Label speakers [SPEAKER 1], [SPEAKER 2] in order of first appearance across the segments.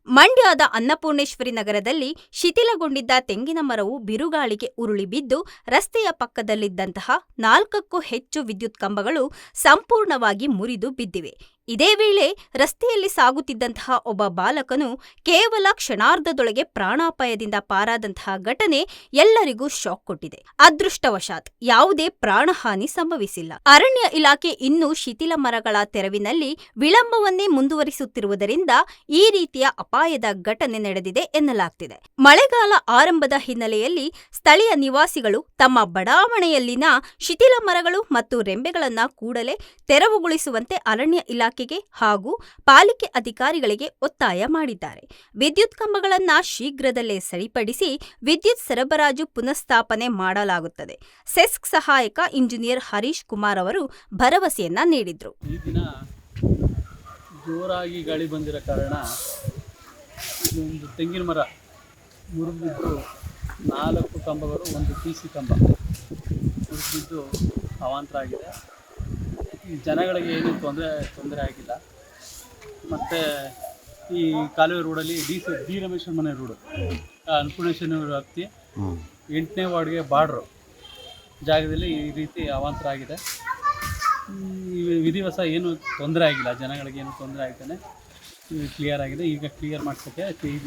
[SPEAKER 1] ಮಂಡ್ಯದ ಅನ್ನಪೂರ್ಣೇಶ್ವರಿ ನಗರದಲ್ಲಿ ಶಿಥಿಲಗೊಂಡಿದ್ದ ತೆಂಗಿನ ಮರವು ಬಿರುಗಾಳಿಗೆ ಉರುಳಿ ಬಿದ್ದು ರಸ್ತೆಯ ಪಕ್ಕದಲ್ಲಿದ್ದಂತಹ 4ಕ್ಕೂ ಹೆಚ್ಚು ವಿದ್ಯುತ್ ಕಂಬಗಳು ಸಂಪೂರ್ಣವಾಗಿ ಮುರಿದು ಬಿದ್ದಿವೆ. ಇದೇ ವೇಳೆ ರಸ್ತೆಯಲ್ಲಿ ಸಾಗುತ್ತಿದ್ದಂತಹ ಒಬ್ಬ ಬಾಲಕನು ಕೇವಲ ಕ್ಷಣಾರ್ಧದೊಳಗೆ ಪ್ರಾಣಾಪಾಯದಿಂದ ಪಾರಾದಂತಹ ಘಟನೆ ಎಲ್ಲರಿಗೂ ಶಾಕ್ ಕೊಟ್ಟಿದೆ. ಅದೃಷ್ಟವಶಾತ್ ಯಾವುದೇ ಪ್ರಾಣಹಾನಿ ಸಂಭವಿಸಿಲ್ಲ. ಅರಣ್ಯ ಇಲಾಖೆ ಇನ್ನೂ ಶಿಥಿಲ ಮರಗಳ ತೆರವಿನಲ್ಲಿ ವಿಳಂಬವನ್ನೇ ಮುಂದುವರಿಸುತ್ತಿರುವುದರಿಂದ ಈ ರೀತಿಯ ಅಪಾಯದ ಘಟನೆ ನಡೆದಿದೆ ಎನ್ನಲಾಗ್ತಿದೆ. ಮಳೆಗಾಲ ಆರಂಭದ ಹಿನ್ನೆಲೆಯಲ್ಲಿ ಸ್ಥಳೀಯ ನಿವಾಸಿಗಳು ತಮ್ಮ ಬಡಾವಣೆಯಲ್ಲಿನ ಶಿಥಿಲ ಮರಗಳು ಮತ್ತು ರೆಂಬೆಗಳನ್ನ ಕೂಡಲೇ ತೆರವುಗೊಳಿಸುವಂತೆ ಅರಣ್ಯ ಇಲಾಖೆಗೆ ಹಾಗೂ ಪಾಲಿಕೆ ಅಧಿಕಾರಿಗಳಿಗೆ ಒತ್ತಾಯ ಮಾಡಿದ್ದಾರೆ. ವಿದ್ಯುತ್ ಕಂಬಗಳನ್ನ ಶೀಘ್ರದಲ್ಲೇ ಸರಿಪಡಿಸಿ ವಿದ್ಯುತ್ ಸರಬರಾಜು ಪುನಃಸ್ಥಾಪನೆ ಮಾಡಲಾಗುತ್ತದೆ. ಸೆಸ್ಕ್ ಸಹಾಯಕ ಇಂಜಿನಿಯರ್ ಹರೀಶ್ ಕುಮಾರ್ ಅವರು ಭರವಸೆಯನ್ನ ನೀಡಿದ್ರು.
[SPEAKER 2] ಈ ದಿನ ಜೋರಾಗಿ ಗಾಳಿ ಬಂದಿರೋ ಕಾರಣ ಒಂದು ತೆಂಗಿನ ಮರ ಮುರಿದಿದ್ದು 4 ಕಂಬಗಳು, ಒಂದು PC ಕಂಬ ಮುರಿದಿದ್ದು ಅವಾಂತರ ಆಗಿದೆ. ಈ ಜನಗಳಿಗೆ ಏನೂ ತೊಂದರೆ ಆಗಿಲ್ಲ. ಮತ್ತು ಈ ಕಾಲುವೆ ರೋಡಲ್ಲಿ ಡಿ ರಮೇಶ್ವರ ಮನೆ ರೋಡು, ಅನ್ನಪೂರ್ಣೇಶ್ವರಿ ವ್ಯಾಪ್ತಿ 8ನೇ ವಾರ್ಡ್ಗೆ ಬಾರ್ಡ್ರು ಜಾಗದಲ್ಲಿ ಈ ರೀತಿ ಅವಾಂತರ ಆಗಿದೆ. ವಿಧಿವಸ ಏನೂ ತೊಂದರೆ ಆಗಿಲ್ಲ, ಜನಗಳಿಗೆ ಏನೂ ತೊಂದರೆ ಆಗ್ತಾನೆ ಕ್ಲಿಯರ್ ಆಗಿದೆ. ಈಗ ಕ್ಲಿಯರ್ ಮಾಡ್ಸೋಕ್ಕೆ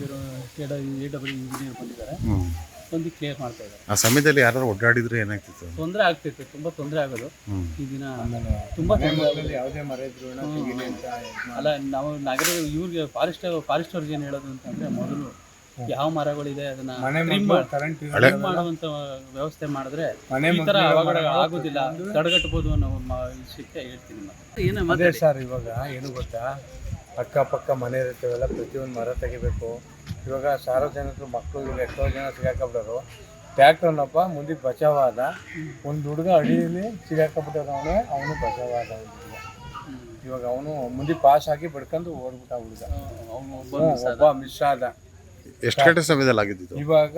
[SPEAKER 2] AW ಇಂಜಿನಿಯರ್ ಬಂದಿದ್ದಾರೆ, ಬಂದು ಕ್ಲಿಯರ್ ಮಾಡ್ತಾ ಇದ್ದಾರೆ.
[SPEAKER 3] ಆ ಸಮಯದಲ್ಲಿ ಯಾರು ಓಡಾಡಿದ್ರೆ ಏನಾಗ್ತಿತ್ತು?
[SPEAKER 2] ತೊಂದರೆ ಆಗ್ತಿತ್ತು, ತುಂಬ ತೊಂದರೆ ಆಗೋದು. ಈ ದಿನ ತುಂಬ ಯಾವುದೇ ಮರ ಇದ್ರು ಅಲ್ಲ, ನಾವು ನಗರ ಇವ್ರಿಗೆ ಫಾರೆಸ್ಟರ್ಗೆ ಏನು ಹೇಳೋದು ಅಂತಂದರೆ, ಮೊದಲು ಯಾವ ಮರಗಳಿದೆ ಅದನ್ನ ಮಾಡುವಂಥ ವ್ಯವಸ್ಥೆ ಮಾಡಿದ್ರೆ ಈ ಥರ ಅವಘಡ ಆಗೋದಿಲ್ಲ, ತಡೆಗಟ್ಟಬಹುದು ಅನ್ನೋ ವಿಷಯಕ್ಕೆ ಹೇಳ್ತೀನಿ.
[SPEAKER 4] ಅದೇ ಸರ್, ಇವಾಗ ಏನು ಗೊತ್ತಾ, ಅಕ್ಕಪಕ್ಕ ಮನೆ ಇರ್ತೇವೆಲ್ಲ ಪ್ರತಿಯೊಂದು ಮರ ತೆಗಿಬೇಕು. ಇವಾಗ ಸಾರ್ವಜನಿಕರು ಮಕ್ಕಳು ಎಷ್ಟೋ ಜನ ಸಿಗಾಕಬಿಟ್ಟರು. ಟ್ಯಾಕ್ಟರ್ನಪ್ಪ ಮುಂದಕ್ಕೆ ಬಚಾವಾದ, ಒಂದು ಹುಡುಗ ಅಡಿಯಲ್ಲಿ ಸಿಗಾಕಬಿಟ್ಟವನು, ಅವನು ಬಚಾವಾದ. ಇವಾಗ ಅವನು ಮುಂದೆ ಪಾಸ್ ಆಗಿ ಬಡ್ಕೊಂಡು ಓಡ್ಬಿಟ್ಟ ಹುಡುಗ, ಅವನು ಒಬ್ಬ ಮಿಸ್ ಆದ.
[SPEAKER 3] ಎಷ್ಟು ಗಂಟೆ ಸಮಯದಲ್ಲಿ ಆಗಿದ್ದು?
[SPEAKER 4] ಇವಾಗ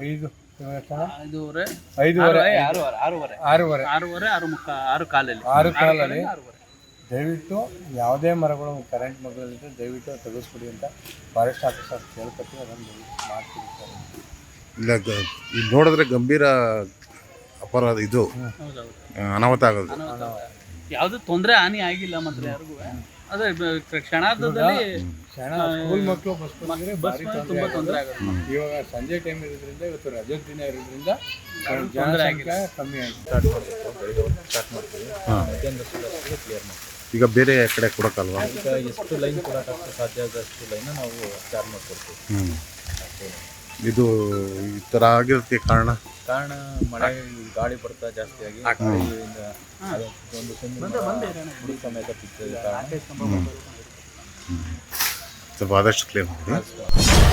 [SPEAKER 4] 6 ಕಾಲಲ್ಲಿ. ದಯವಿಟ್ಟು ಯಾವುದೇ ಮರಗಳು ಕರೆಂಟ್ ಮರಗಳಿದ್ರೆ ದಯವಿಟ್ಟು ತೆಗೆಸ್ಬಿಡಿ ಅಂತ ಫಾರೆಸ್ಟ್ ಆಫೀಸರ್ ಕೇಳ್ಕೊತೀವಿ, ಅದನ್ನು ಮಾಡ್ತೀವಿ ಸರ್.
[SPEAKER 3] ಇಲ್ಲ, ಇದು ನೋಡಿದ್ರೆ ಗಂಭೀರ ಅಪರಾಧ, ಇದು ಅನಾಹುತ ಆಗೋದು.
[SPEAKER 2] ಯಾವುದು ತೊಂದರೆ ಹಾನಿ ಆಗಿಲ್ಲ ಮಾತ್ರ ಯಾರಿಗೂ. ಅದೇ ಕ್ಷಣಾರ್ಧದಲ್ಲಿ
[SPEAKER 4] ಸ್ಕೂಲ್ ಮಕ್ಕಳು ಬಸ್
[SPEAKER 2] ತುಂಬ ತೊಂದರೆ ಆಗುತ್ತೆ.
[SPEAKER 4] ಇವಾಗ ಸಂಜೆ ಟೈಮ್ ಇರೋದ್ರಿಂದ, ಇವತ್ತು ರಜೆ ದಿನ ಇರೋದ್ರಿಂದ ಜನಸಂಖ್ಯೆ ಕಮ್ಮಿ ಆಗಿ ಸ್ಟಾರ್ಟ್ ಮಾಡ್ತೀವಿ. ಕ್ಲಿಯರ್ ಮಾಡ್ತೀವಿ.
[SPEAKER 3] ಈಗ ಬೇರೆ ಕಡೆ ಕೊಡೋಕ್ಕಲ್ವಾ?
[SPEAKER 4] ಈಗ ಎಷ್ಟು ಲೈನ್ ಕೊಡೋಕ್ಕಷ್ಟು ಸಾಧ್ಯ ಆದಷ್ಟು ಲೈನ್ ನಾವು ಚಾರ್ಜ್ ಮಾಡ್ಕೊಡ್ತೀವಿ.
[SPEAKER 3] ಇದು ಈ ಥರ ಆಗಿರೋದಕ್ಕೆ ಕಾರಣ
[SPEAKER 4] ಮಳೆ ಗಾಳಿ ಬರ್ತಾ ಜಾಸ್ತಿಯಾಗಿ ಒಂದು ಸಮೇತ
[SPEAKER 3] ಸ್ವಲ್ಪ ಆದಷ್ಟು ಕ್ಲಿಯರ್ ಮಾಡಿ.